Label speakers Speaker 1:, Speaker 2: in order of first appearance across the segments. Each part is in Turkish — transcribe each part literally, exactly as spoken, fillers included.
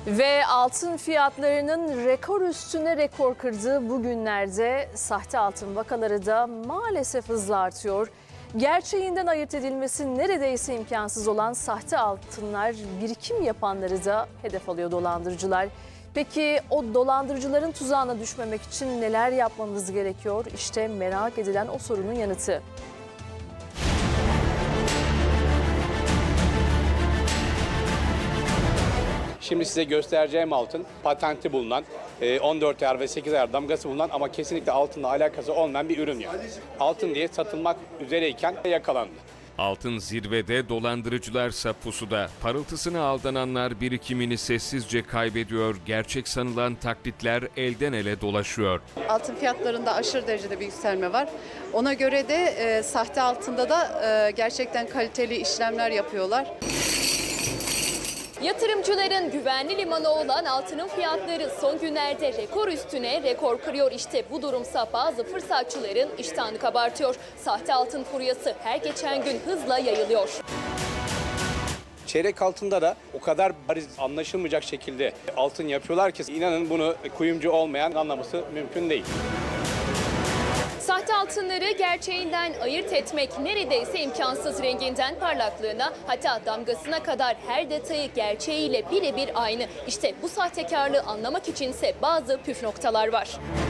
Speaker 1: Ve altın fiyatlarının rekor üstüne rekor kırdığı bu günlerde sahte altın vakaları da maalesef hızla artıyor. Gerçeğinden ayırt edilmesi neredeyse imkansız olan sahte altınlar birikim yapanları da hedef alıyor dolandırıcılar. Peki o dolandırıcıların tuzağına düşmemek için neler yapmamız gerekiyor? İşte merak edilen o sorunun yanıtı.
Speaker 2: Şimdi size göstereceğim altın patenti bulunan, on dört ayar ve sekiz ayar damgası bulunan ama kesinlikle altınla alakası olmayan bir ürün yani. Altın diye satılmak üzereyken yakalandı.
Speaker 3: Altın zirvede, dolandırıcılarsa pusuda. Parıltısına aldananlar birikimini sessizce kaybediyor. Gerçek sanılan taklitler elden ele dolaşıyor.
Speaker 4: Altın fiyatlarında aşırı derecede bir yükselme var. Ona göre de e, sahte altında da e, gerçekten kaliteli işlemler yapıyorlar.
Speaker 5: Yatırımcıların güvenli limanı olan altının fiyatları son günlerde rekor üstüne rekor kırıyor. İşte bu durumsa bazı fırsatçıların iştahını kabartıyor. Sahte altın furyası her geçen gün hızla yayılıyor.
Speaker 2: Çeyrek altında da o kadar bariz anlaşılmayacak şekilde altın yapıyorlar ki inanın bunu kuyumcu olmayan anlaması mümkün değil.
Speaker 5: Sahte altınları gerçeğinden ayırt etmek neredeyse imkansız. Renginden parlaklığına, hatta damgasına kadar her detayı gerçeğiyle birebir aynı. İşte bu sahtekarlığı anlamak içinse bazı püf noktalar var.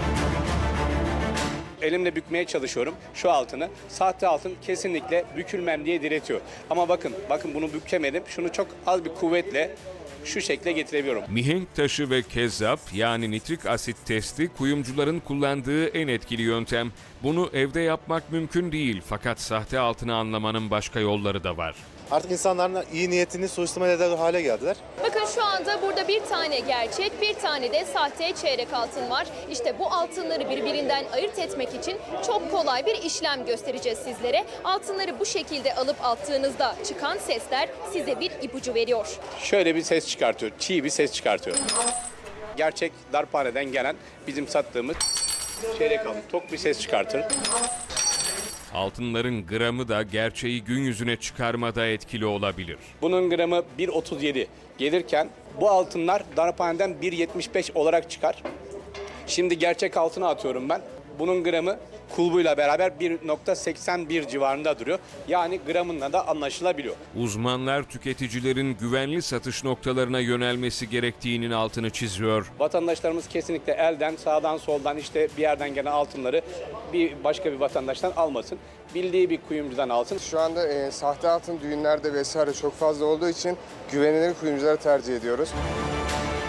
Speaker 2: Elimle bükmeye çalışıyorum şu altını. Sahte altın kesinlikle bükülmem diye diretiyor. Ama bakın, bakın bunu bükemedim. Şunu çok az bir kuvvetle şu şekle getirebiliyorum.
Speaker 3: Mihenk taşı ve kezzap yani nitrik asit testi kuyumcuların kullandığı en etkili yöntem. Bunu evde yapmak mümkün değil fakat sahte altını anlamanın başka yolları da var.
Speaker 6: Artık insanların iyi niyetini suistimal eder hale geldiler.
Speaker 5: Bakın şu anda burada bir tane gerçek, bir tane de sahte çeyrek altın var. İşte bu altınları birbirinden ayırt etmek için çok kolay bir işlem göstereceğiz sizlere. Altınları bu şekilde alıp attığınızda çıkan sesler size bir ipucu veriyor.
Speaker 2: Şöyle bir ses çıkartıyor, çiğ bir ses çıkartıyor. Gerçek darphaneden gelen bizim sattığımız çeyrek altın tok bir ses çıkartır.
Speaker 3: Altınların gramı da gerçeği gün yüzüne çıkarmada etkili olabilir.
Speaker 2: Bunun gramı bir otuz yedi gelirken bu altınlar darphaneden bir yetmiş beş olarak çıkar. Şimdi gerçek altına atıyorum ben. Bunun gramı kulbuyla beraber bir nokta seksen bir civarında duruyor. Yani gramınla da anlaşılabiliyor.
Speaker 3: Uzmanlar tüketicilerin güvenli satış noktalarına yönelmesi gerektiğinin altını çiziyor.
Speaker 2: Vatandaşlarımız kesinlikle elden, sağdan, soldan işte bir yerden gelen altınları bir başka bir vatandaştan almasın. Bildiği bir kuyumcudan alsın.
Speaker 7: Şu anda e, sahte altın düğünlerde vesaire çok fazla olduğu için güvenilir kuyumcuları tercih ediyoruz.